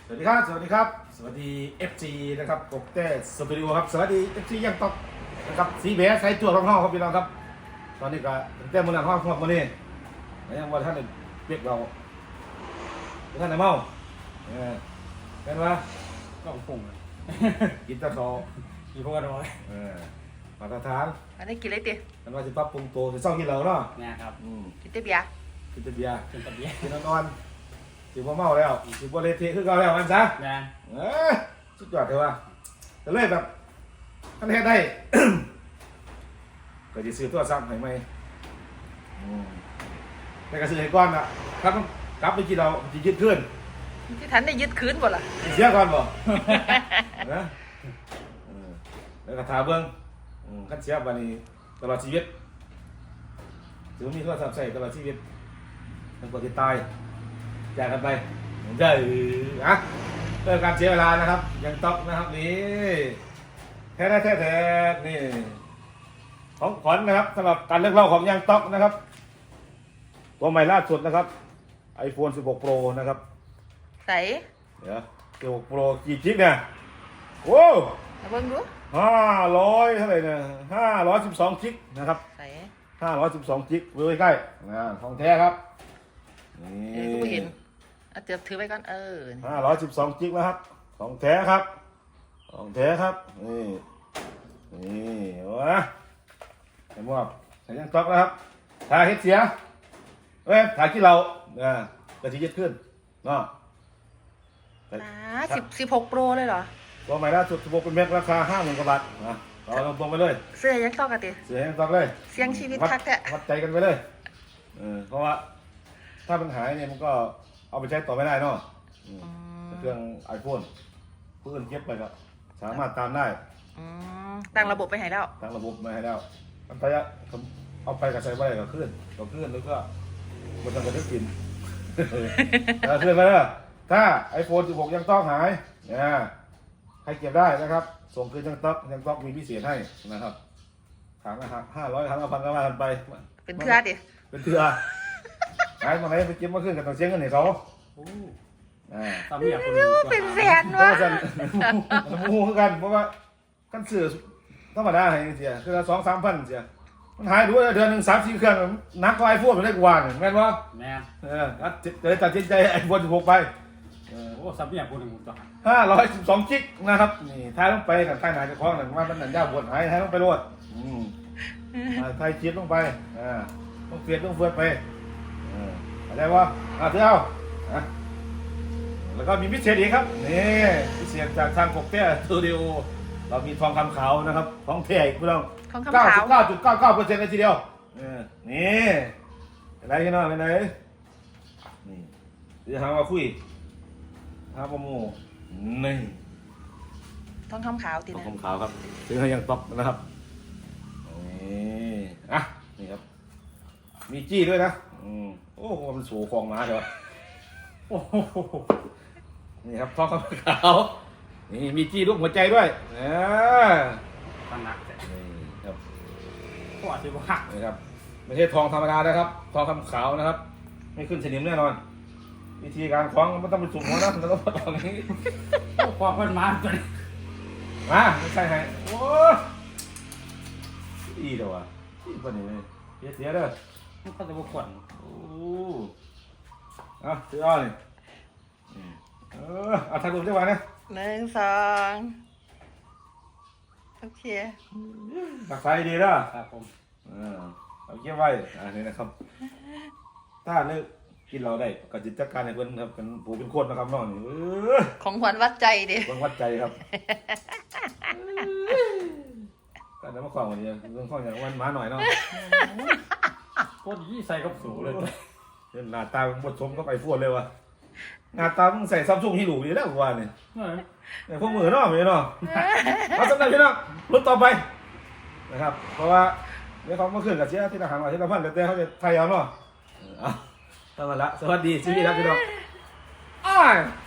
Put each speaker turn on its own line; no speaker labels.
สวัสดีครับสวัสดีครับสวัสดี FG นะครับกบเต้สตูดิโอครับสวัสดี FG ยังตกนะครับสีเบสใช้ตัวของห้องครับพี่น้องครับตอนนี้ก็เต้มือหนังห้องพวกมันนี่ยังว่าท่านเปียกเราท่านไหนเมาเป็นวะ
ก็ของปุ่งเลย
กินตะเขา
มีพวกกันไว้
มาตรฐาน
อันนี้กินอะไรติ
มันว่าจะปรับปรุงตัวจะซ่องกินเหล้าเนาะ
นะครับ
กินแต่เบียร์
กินแต่เบียร์
เป็นตะเบีย
กินนอนสิบ่เมาแล้วสิบ่เละเทะคือเก่าแล้วมันซะ
นะ
สุดยอดเลยว่ะแต่เลยแบบท่านเฮ็ดได้ ก็จะซื้อตัวซ้ำให้ไหมแต่ก็ซื้อให้ก่อนอ่ะครับกลับไปกินเราจะยึดขึ้น
ที่ทันได้ยึดคืนบ่ล่ะ
เสียก่อนบ่ นะแล้วก็ถาเบิ้งขั้นเสียบันนี้ตลอดชีวิตถือมีโทรศัพท์ใส่ตลอดชีวิตมันกว่าจะตายจากกันไปได้นะเรื่องการเสียเวลานะครับยังต๊อกนะครับนี่แท้นี่ของขวัญนะครับสำหรับการเลือกเล่าของยังต๊อกนะครับตัวใหม่ล่าสุดนะครับ iPhone 16 Pro นะครับ
ใส่
เดี๋ยว16 Pro กี่กิกเนี่ยโอ้
มาเบิ่งดู
500เท่าไหร่เนี่ย512กิกนะครับ
ใส่
512กิกดูใกล้ๆของแท้ครับนี่
กูบ่เห็นเอาเจ็บถือไว้ก่อน
512กิกนะครับของแท้ครับของแท้ครับนี่โอ้ยใส่หมวกใส่ยังต๊อกนะครับถ่ายเฮ็ดเสียถ่ายที่เรากระชิยึดขึ้นเนาะ
16 Pro เลยเหรอ
ตัวใหม่ล่าสุด16เป็นเม็ดราคา 50,000 กว่าบาทนะเราลงตรงไปเลย
เสื้อยังต้องกันติ
เสียยังต๊อกเลย
เสียงชีวิตคักแท้
วัดใจกันไปเลยเพราะว่าถ้ามันหายเนี่ยมันก็เอาไปใช้ต่อไม่ได้เนาะเครื่อง iPhone ผู้อื่นเก็บไปก็สามารถตามได้
ตั้งระบบไปให้แล้ว
ตั้งระบบมาให้แล้วมันไปเอาไปกับใช้ไว้ก็ขึ้นแล้วก็มันต้องกระดึกกินขึ้นมาแล้วถ้า iPhone 16 ยังต้องหายให้เก็บได้นะครับ ส่งคืนยังต้องมีพิเศษให้นะครับถามนะครับ500 1,000 ก็ว่ากันไป
เป็นเพื่อดิ
เป็นเถื่อหายมาไหนไปเก็บมาขึ้นกับต้องเสียเงินให้เขา
โอ้ตามเนี่ยคน
เป็นแสน
เพราะ
วะ
ว่ามันมูคือกันเพราะว่ากันซื้อธรรมดาให้เสียคือละ2-3,000เสียมันหายดูเดือนหนึ่ง3-4 เครื่องนักก็ไอโฟนมันได้กว่าเนี่ยแม่นวะ
แม่
เลยตัดสินใจไอโฟน16ไป
โอ้สับเนี่ยคนหนึ่งต่อ
512 กิกนะครับนี่ท้ายลงไปกับท้ายหนาจะคล้องหนึ่งว่ามันหนังยาวบนหายท้ายลงไปโลดท้ายคลิปลงไปต้องเปลี่ยนต้องเฟื่อนไปอะไรวะเที่ยวแล้วก็มีพิเศษอีกครับนี่พิเศษจากทางกบเต้สตูดิโอเรามีทองคำขาวนะครับทองแท้อีกพี่น้อง
ทองคำขาว
99.99% เลยทีเดียวนี่อะไรกันเนาะเป็นไงนี่เดี๋ยวหามาคุยหาประมูนี่
ทองคำขาวติ
ทอง
นะ
คำขาวครับซื้อให้ยังต๊อกนะครับนี่นี่ครับมีจี้ด้วยนะโอ้มันสูฟองมาเดี๋ยว
โอ้โห
นี่ครับทองคำขาวนี่มีจี้รูปหัวใจด้วย
ตั้งหนักแต่
นี่ครับ
ก็อาจจะหัก
นี่ครับไม่ใช่ทองธรรมดานะครับทองคำขาวนะครับไม่ขึ้นสนิมแน่นอนวิธีการคล้องมันต้องเป็นสุ่มหัวนะแล้วก็ตรงนี้
ความเป็นมาตัวนี้
มาไม่ใช่ไงโอ้ดีเด้อวะดีกว่านี้เลยเสียเด้อ
มันก็จะบุกขวัญ
โอ้ซื้ออ้อนี่ถ่ายรูปได้ไหมนะ
1 2โอเค
ตักไฟดีเด้อ
ครับผม
เอาเก็บไว้นี่นะครับถ้านึกกินเราได้ก็จิตจัดการให้เพิ่นครับเป็นผู้เป็นคนนะครับน้องนี่
ของขวัญวัดใจดิ
เพิ่นวัดใจครับก็ได้มาขวางวันนี้เรื่องข้องอย่างวันมาหน่อยเนาะ
โคตรยี่ใส่กับสูเลย
หน้าตาบดสมก็ไปฟวดเลยวะหน้าตามึงใส่ซัมซุงฮีโร่ดีแล้วกูว่าเนี่ยพวกมือเนาะมือเนาะเอาสำหรับพี่น้องรุ่นต่อไปนะครับเพราะว่าเดี๋ยวเขามาขึ้นกับเชียร์ที่ทหารมาที่ละพันแต่เขาจะไทยเอาเนาะเอาตั้งแต่ละสวัสดีชีวิตครับพี่น้อง